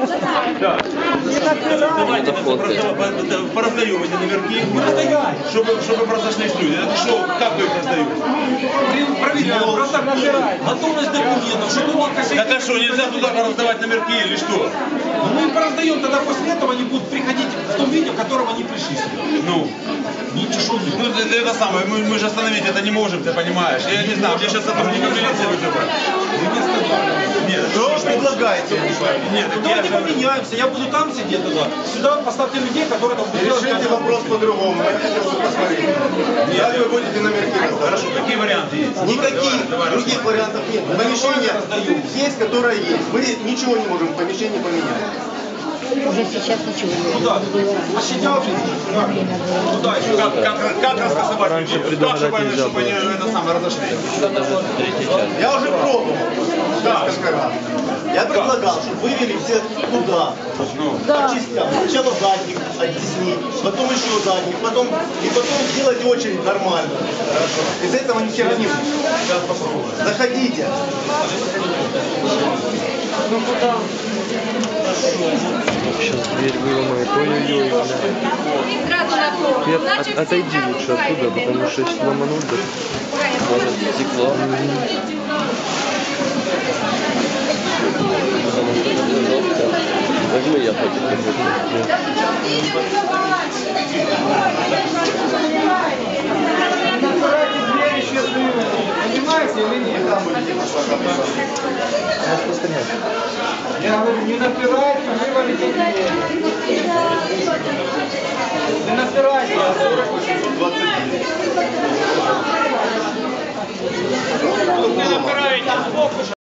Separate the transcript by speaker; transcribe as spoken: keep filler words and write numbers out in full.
Speaker 1: Давайте пораздаем эти номерки, чтобы, чтобы произошли люди. Это что, как вы их раздаете?
Speaker 2: Проверяем, просто готовность документов, чтобы было кассетный.
Speaker 1: Так а что, нельзя туда раздавать номерки или что?
Speaker 2: Ну, мы им пораздаем, тогда после этого они будут приходить в том виде, в котором они пришли.
Speaker 1: Ну,
Speaker 2: ничего не.
Speaker 1: Ну, это, это самое, мы, мы же остановить это не можем, ты понимаешь. Я не знаю, мне сейчас сотрудника милиции вызывать.
Speaker 2: Вы не останавливаете.
Speaker 1: Нет,
Speaker 3: что вы предлагаете?
Speaker 1: Нет, так
Speaker 2: Давайте
Speaker 1: я же...
Speaker 2: поменяемся, я буду там сидеть тогда. Сюда поставьте людей, которые там будут делать.
Speaker 3: Решите вопрос по-другому. Я хотел бы посмотреть. Как вы будете номерки раздавать?
Speaker 1: Хорошо, какие варианты есть?
Speaker 3: Никаких
Speaker 1: Давай, давай,
Speaker 3: других
Speaker 1: рассмотрим.
Speaker 3: вариантов нет. Помещение есть, которое есть. Мы ничего не можем в помещении поменять.
Speaker 4: Уже сейчас ничего не
Speaker 2: Куда? Посидел? Куда еще?
Speaker 1: Как, как, как раскасовать
Speaker 5: Раньше
Speaker 1: людей?
Speaker 5: предлагать
Speaker 1: Так, чтобы,
Speaker 5: нельзя
Speaker 1: чтобы они это самое разошлись.
Speaker 3: Я уже пробовал несколько раз. Я предлагал, чтобы вывели все туда, по частям. Сначала задних оттеснить, потом еще задних, потом и потом сделать очередь нормально. Из этого ни хера не будет. Заходите.
Speaker 4: Ну куда?
Speaker 5: Сейчас дверь выломает. Ой-ой-ой. Ты от- от- отойди лучше оттуда, потому что если ломануть, да, может стекло. Возьми, я хочу.
Speaker 2: Понимаете или нет? Я говорю, не напирайте, вывалите дверь. Не напирайте. Не напирайте.